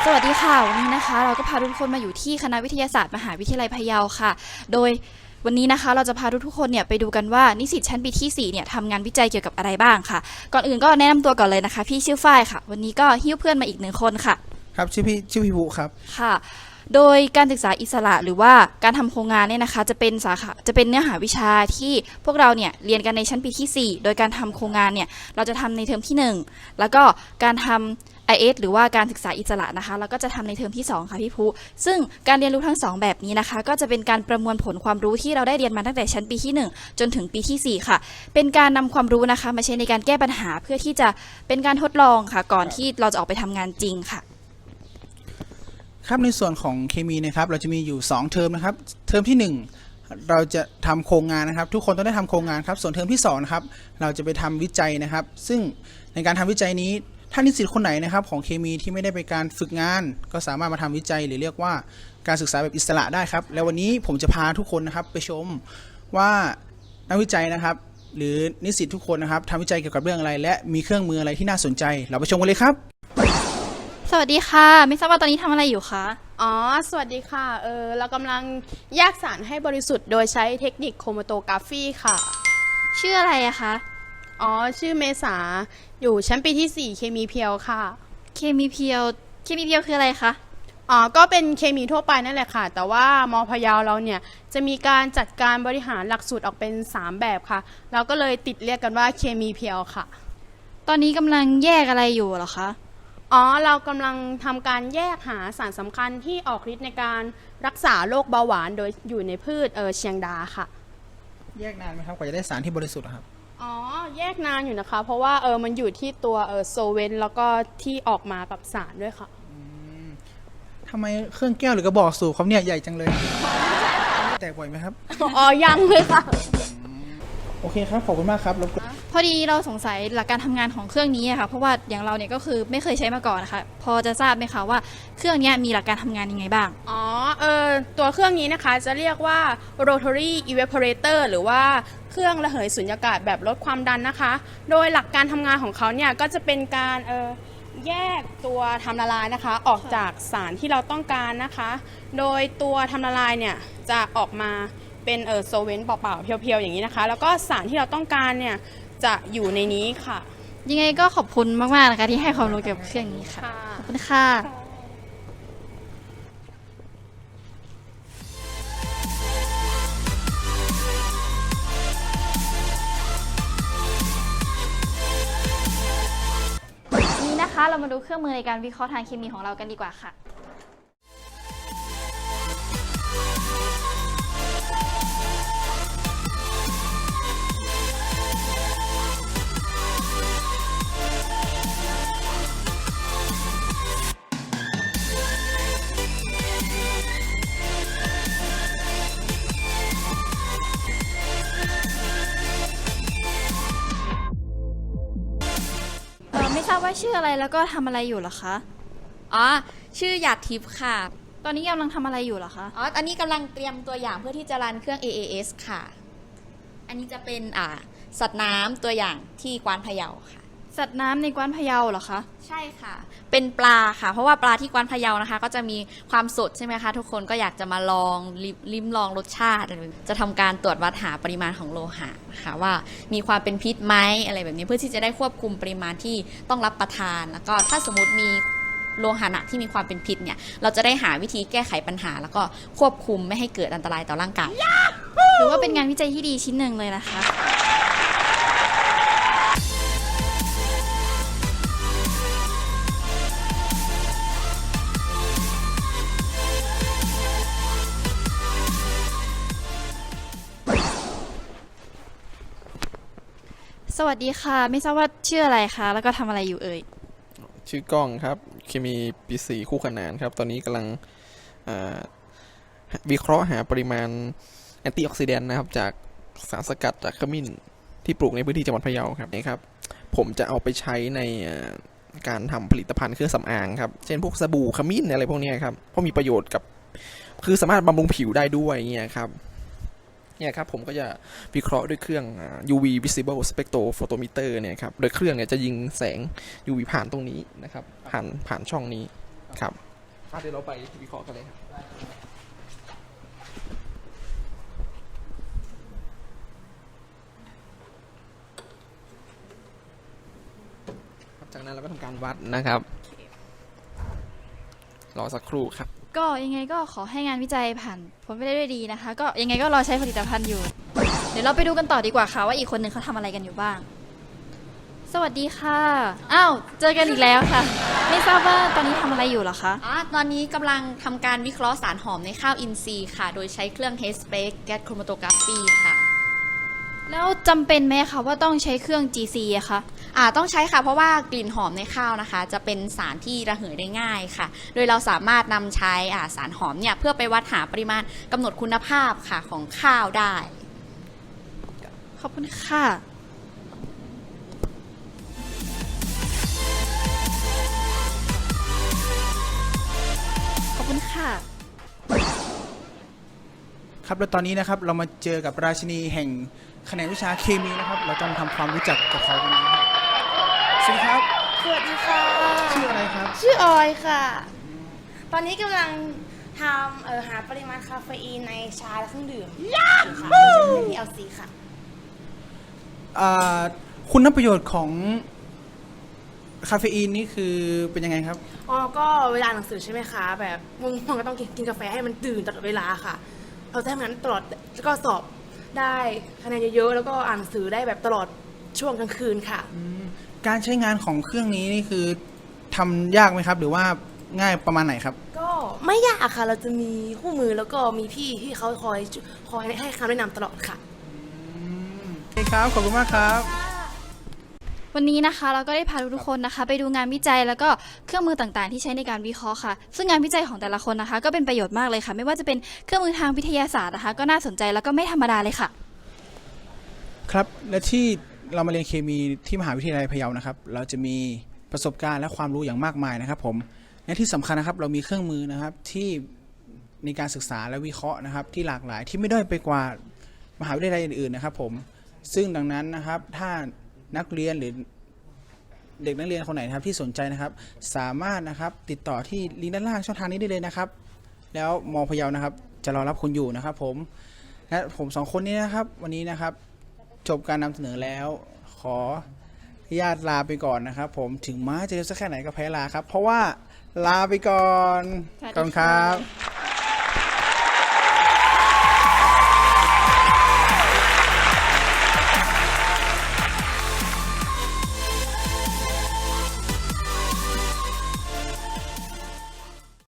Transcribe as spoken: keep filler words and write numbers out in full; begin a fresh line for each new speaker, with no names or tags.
สวัสดีค่ะวันนี้นะคะเราก็พาทุกคนมาอยู่ที่คณะวิทยาศาสตร์มหาวิทยาลัยพะเยาค่ะโดยวันนี้นะคะเราจะพาทุกๆคนเนี่ยไปดูกันว่านิสิตชั้นปีที่สี่เนี่ยทำงานวิจัยเกี่ยวกับอะไรบ้างค่ะก่อนอื่นก็แนะนำตัวก่อนเลยนะคะพี่ชื่อฝ้ายค่ะวันนี้ก็หิ้วเพื่อนมาอีกหนึ่งคนค่ะ
ครับชื่อพี่ชื่อพี่ภูครับ
ค่ะโดยการศึกษาอิสระหรือว่าการทำโครงงานเนี่ยนะคะจะเป็นสาขาจะเป็นเนื้อหาวิชาที่พวกเราเนี่ยเรียนกันในชั้นปีที่สี่โดยการทำโครงงานเนี่ยเราจะทำในเทอมที่หนึ่งแล้วก็การทำ ไอ เอส หรือว่าการศึกษาอิสระนะคะแล้วก็จะทำในเทอมที่สองค่ะพี่ภูซึ่งการเรียนรู้ทั้งสองแบบนี้นะคะก็จะเป็นการประมวลผลความรู้ที่เราได้เรียนมาตั้งแต่ชั้นปีที่หนึ่งจนถึงปีที่สี่ค่ะเป็นการนำความรู้นะคะมาใช้ในการแก้ปัญหาเพื่อที่จะเป็นการทดลองค่ะก่อนที่เราจะออกไปทำงานจริงค่ะ
ครับในส่วนของเคมีนะครับเราจะมีอยู่สองเทอมนะครับเทอมที่หนึ่งเราจะทำโครงงานนะครับทุกคนต้องได้ทำโครงงานครับส่วนเทอมที่สองนะครับเราจะไปทำวิจัยนะครับซึ่งในการทำวิจัยนี้ถ้านิสิตคนไหนนะครับของเคมีที่ไม่ได้ไปการฝึกงานก็สามารถมาทำวิจัยหรือเรียกว่าการศึกษาแบบอิสระได้ครับแล้ววันนี้ผมจะพาทุกคนนะครับไปชมว่านักวิจัยนะครับหรือนิสิตทุกคนนะครับทำวิจัยเกี่ยวกับเรื่องอะไรและมีเครื่องมืออะไรที่น่าสนใจเราไปชมกันเลยครับ
สวัสดีค่ะไม่ทราบว่าตอนนี้ทำอะไรอยู่คะ
อ๋อสวัสดีค่ะเออเรากำลังแยกสารให้บริสุทธิ์โดยใช้เทคนิคโครโมโตกราฟีค่ะ
ชื่ออะไรอะคะ
อ๋อชื่อเมษาอยู่ชั้นปีที่สี่เคมีเพียวค่ะ
เคมีเพียวเคมีเพียวคืออะไรคะ
อ๋อก็เป็นเคมีทั่วไปนั่นแหละค่ะแต่ว่ามอพะเยาเราเนี่ยจะมีการจัดการบริหารหลักสูตรออกเป็นสามแบบค่ะเราก็เลยติดเรียกกันว่าเคมีเพียวค่ะ
ตอนนี้กำลังแยกอะไรอยู่เหรอคะ
อ๋อเรากำลังทำการแยกหาสารสำคัญที่ออกฤทธิ์ในการรักษาโรคเบาหวานโดยอยู่ในพืชเออเชียงดาค่ะ
แยกนานไหมครับกว่าจะได้สารที่บริสุทธิ์ครับ
อ๋อแยกนานอยู่นะคะเพราะว่าเออมันอยู่ที่ตัวเออโซเวนแล้วก็ที่ออกมากับสารด้วยค่ะ
ทำไมเครื่องแก้วหรือกระบอกสูบเขาเนี่ยใหญ่จังเลยแตกบ่อยไหมครับ
อ๋อยังเลยค่ะ
โอเคครับขอบคุณมากครับแล้ว
พอดีเราสงสัยหลักการทำงานของเครื่องนี้อะค่ะเพราะว่าอย่างเราเนี่ยก็คือไม่เคยใช้มาก่อนนะคะพอจะทราบไหมคะว่าเครื่องนี้มีหลักการทำงานยังไงบ้าง
อ๋อเออตัวเครื่องนี้นะคะจะเรียกว่า rotary evaporator หรือว่าเครื่องระเหยสุญญากาศแบบลดความดันนะคะโดยหลักการทำงานของเขาเนี่ยก็จะเป็นการเออแยกตัวทำละลายนะคะออกจากสารที่เราต้องการนะคะโดยตัวทำละลายเนี่ยจะออกมาเป็นเออโซเวนต์เปล่าๆเพียวๆอย่างนี้นะคะแล้วก็สารที่เราต้องการเนี่ยจะอยู่ในนี้ค่ะ
ยังไงก็ขอบคุณมากๆนะคะที่ให้ความรู้เกี่ยวกับเครื่องนี้ค่ะขอบคุณค่ะนี้นะคะเรามาดูเครื่องมือในการวิเคราะห์ทางเคมีของเรากันดีกว่าค่ะไม่ทราบว่าชื่ออะไรแล้วก็ทำอะไรอยู่เหรอคะ
อ๋อชื่อหยาดทิพย์ค่ะ
ตอนนี้กำลังทำอะไรอยู่เหรอคะ
อ๋ออันนี้กำลังเตรียมตัวอย่างเพื่อที่จะรันเครื่อง เอ เอ เอส ค่ะอันนี้จะเป็นอ่าสัตว์น้ำตัวอย่างที่กวานพะเยาค่ะ
สัตว์น้ำในกวานพะเยาเหรอคะ
ใช่ค่ะเป็นปลาค่ะเพราะว่าปลาที่กวานพะเยานะคะก็จะมีความสดใช่ไหมคะทุกคนก็อยากจะมาลองลิ้มลองรสชาติจะทำการตรวจวัดหาปริมาณของโลหะนะคะว่ามีความเป็นพิษไหมอะไรแบบนี้เพื่อที่จะได้ควบคุมปริมาณที่ต้องรับประทานแล้วก็ถ้าสมมติมีโลหะหนักที่มีความเป็นพิษเนี่ยเราจะได้หาวิธีแก้ไขปัญหาแล้วก็ควบคุมไม่ให้เกิดอันตรายต่อร่างกาย
ถือว่าเป็นงานวิจัยที่ดีชิ้นหนึ่งเลยนะคะสวัสดีค่ะไม่ทราบว่าชื่ออะไรคะแล้วก็ทำอะไรอยู่เอ่ย
ชื่อก้องครับเคมีปีสี่คู่ขนานครับตอนนี้กำลังวิเคราะห์หาปริมาณแอนตี้ออกซิแดนต์นะครับจากสารสกัดจากขมิ้นที่ปลูกในพื้นที่จังหวัดพะเยาครับนี่ครับผมจะเอาไปใช้ในการทำผลิตภัณฑ์เครื่องสำอางครับเช่นพวกสบู่ขมิ้นอะไรพวกนี้ครับเพราะมีประโยชน์กับคือสามารถบำรุงผิวได้ด้วยเงี้ยครับเนี่ยครับผมก็จะวิเคราะห์ด้วยเครื่อง ยู วี Visible Spectrophotometer เนี่ยครับโดยเครื่องเนี่ยจะยิงแสง ยู วี ผ่านตรงนี้นะครับผ่านผ่านช่องนี้ครับเดี๋ยวเราไปวิเคราะห์กันเลยครับจากนั้นเราก็ทำการวัดนะครับรอสักครู่ครับ
ก็ยังไงก็ขอให้งานวิจัยผ่านผลไปได้ด้วยดีนะคะ ก็ยังไงก็รอใช้ผลิตภัณฑ์อยู่ เดี๋ยวเราไปดูกันต่อดีกว่าค่ะว่าอีกคนหนึ่งเขาทำอะไรกันอยู่บ้าง สวัสดีค่ะอ้าวเจอกันอีกแล้วค่ะ ไม่ทราบว่าตอนนี้ทำอะไรอยู่เหรอคะ
อ๋อตอนนี้กำลังทำการวิเคราะห์สารหอมในข้าวอินทรีย์ค่ะ โดยใช้เครื่อง Headspace Gas Chromatography ค่ะ
แล้วจำเป็นไหมคะว่าต้องใช้เครื่อง จี ซี อะคะ
อ่าต้องใช้ค่ะเพราะว่ากลิ่นหอมในข้าวนะคะ จะเป็นสารที่ระเหยได้ง่ายค่ะ โดยเราสามารถนำใช้อ่าสารหอมเนี่ยเพื่อไปวัดหาปริมาณกำหนดคุณภาพค่ะของข้าวได้
ขอบคุณค่ะ ขอบคุณค่ะ
ครับแล้วตอนนี้นะครับเรามาเจอกับราชินีแห่งแขนงวิชาเคมีนะครับเราจะมาทำความรู้จักกับเขากันนะครับสวัสดีครับ
สวัสดีค่ะ
ชื่ออะไรครับ
ชื่อออยค่ะ ตอนนี้กำลังทำเอ่อหาปริมาณคาเฟอีนในชาและเครื่องดื่มอยู่ค่ะโดยใช้ พี แอล ซี ค่ะ
อ่าคุณประโยชน์ของคาเฟอีนนี่คือเป็นยังไงครับ
อ๋อ ก็เวลาอ่านหนังสือใช่ไหมคะ แบบง่วงๆก็ต้องกินกินกาแฟให้มันตื่นตลอดเวลาค่ะ เราจะทำงานตลอดแล้วก็สอบได้คะแนนเยอะๆ แล้วก็อ่านหนังสือได้แบบตลอดช่วงกลางคืนค่ะ
การใช้งานของเครื่องนี้นี่คือทำยากไหมครับ หรือว่าง่ายประมาณไหนครับ
ก็ไม่ยากค่ะ เราจะมีคู่มือแล้วก็มีพี่ที่เขาคอยคอยให้คำแนะนำตลอดค่ะ
โอเคครับ ขอบคุณมากครับ
วันนี้นะคะเราก็ได้พาทุกๆคนนะคะ ไปดูงานวิจัยแล้วก็เครื่องมือต่างๆ ที่ใช้ในการวิเคราะห์ค่ะ ซึ่งงานวิจัยของแต่ละคนนะคะ ก็เป็นประโยชน์มากเลยค่ะ ไม่ว่าจะเป็นเครื่องมือทางวิทยาศาสตร์นะคะ ก็น่าสนใจแล้วก็ไม่ธรรมดาเลยค่ะ
ครับ และที่เรามาเรียนเคมีที่มหาวิทยาลัยพะเยานะครับ เราจะมีประสบการณ์และความรู้อย่างมากมายนะครับผมและที่สำคัญนะครับเรามีเครื่องมือนะครับที่ในการศึกษาและวิเคราะห์นะครับ ที่หลากหลายที่ไม่ด้อยไปกว่ามหาวิทยาลัยอื่นๆนะครับผมซึ่งดังนั้นนะครับถ้านักเรียนหรือเด็กนักเรียนคนไหนนะครับที่สนใจนะครับสามารถนะครับติดต่อที่ลิงก์ด้านล่างช่องทางนี้ได้เลยนะครับ แล้วมอพะเยานะครับจะรอรับคุณอยู่นะครับผมและผมสองคนนี้นะครับวันนี้นะครับจบการนำเสนอแล้วขออนุญาตลาไปก่อนนะครับผมถึงม้าจะเร็วสักแค่ไหนก็แพ้ลาครับเพราะว่าลาไปก่อน
สวัสดี
ขอบคุณครับ
ค่ะ